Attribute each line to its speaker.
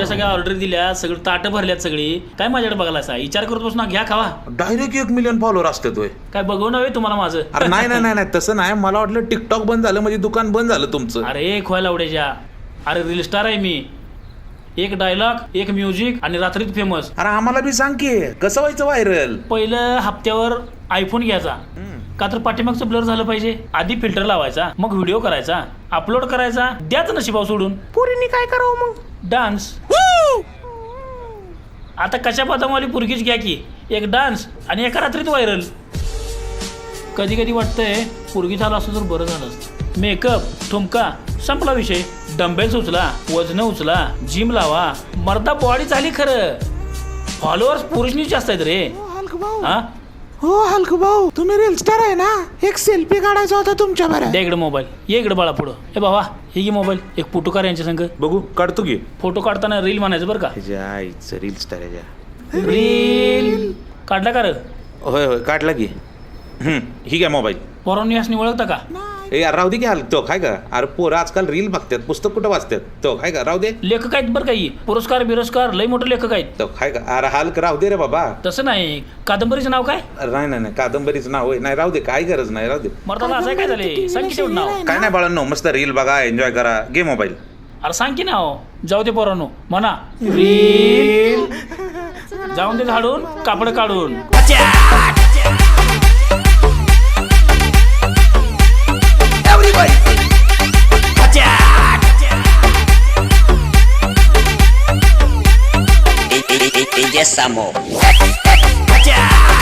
Speaker 1: एवढ्या सगळ्या ऑर्डर दिल्या, सगळं ताटं भरल्यात सगळी, काय माझ्याकडे बघायला असा विचार करत बस ना, घ्या खावा.
Speaker 2: डायरेक्ट 1 मिलियन फॉलोअर असते तोय.
Speaker 1: काय बघू नव्हे तुम्हाला माझं?
Speaker 2: अरे नाही नाही नाही तसं नाही, मला वाटलं टिकटॉक बंद झालं म्हणजे दुकान बंद झालं तुमचं.
Speaker 1: अरे खोयला उड्याच्या, अरे रील स्टार आहे मी. एक डायलॉग, एक म्युझिक आणि रात्रीत फेमस.
Speaker 2: अरे आम्हाला बी सांग की कसं व्हायचं व्हायरल.
Speaker 1: पहिलं हप्त्यावर आयफोन घ्यायचा, का तर पाठीमागचं ब्लर झालं पाहिजे. आधी फिल्टर लावायचा, मग व्हिडिओ करायचा, अपलोड करायचा, द्याच नशिबाव सोडून.
Speaker 2: पोरींनी काय करावं मग?
Speaker 1: डान्स. आता कशा बदामवाली पुरगीच घ्या की, एक डान्स आणि एका रात्रीत व्हायरल. कधी कधी वाटतंय पुरगी झालं असं तर बरं झालं असतं. मेकअप, ठुमका, संपला विषय. डंबेल्स उचला, वजन उचला, जिम लावा, मर्दा बॉडी झाली. खरं फॉलोअर्स पुरुषनीच जास्त आहेत रे. हा
Speaker 3: हो हलकू भाऊ, तुम्ही रील स्टार आहे ना, एक सेल्फी काढायचा होता तुमच्या बरं.
Speaker 1: द्या इकडे मोबाईल, ये इकडे बाळा पुढं. हे बाबा हे घे मोबाईल, एक फोटो काढ यांच्या संग.
Speaker 2: बघू काढतो की.
Speaker 1: फोटो काढताना रील म्हणायचं बरं का.
Speaker 2: रील स्टार आहे.
Speaker 1: रील काढला का रे?
Speaker 2: होय होय काढला की. ही काय मोबाईल.
Speaker 1: पोरांनी असं ओळखता का?
Speaker 2: ए यार राहू दे की. हाल तो काय का. अरे पोरं आजकाल रील बघतात, पुस्तक कुठं वाचतात. तो काय का राहू दे.
Speaker 1: लेखक आहेत बरं काही, पुरस्कार बिरस्कार लय मोठे लेखक आहेत.
Speaker 2: तो काय का. अरे हाल राहू दे रे बाबा.
Speaker 1: तसं नाही. कादंबरीचं नाव काय?
Speaker 2: नाही नाही नाही कादंबरीचं नाव होय. नाही राहू दे, काय गरज नाही, राहू दे.
Speaker 1: मर्दाला असं काय झाले? सांग की तेवढं नाव.
Speaker 2: काय नाही बाळांनो, मस्त रील बघा, एन्जॉय करा, घे मोबाईल.
Speaker 1: अरे सांग की नाव. जाऊ दे पोरांनो, म्हणा रील. जाऊन दे झाडून कापड काढून.
Speaker 4: DJ Samo.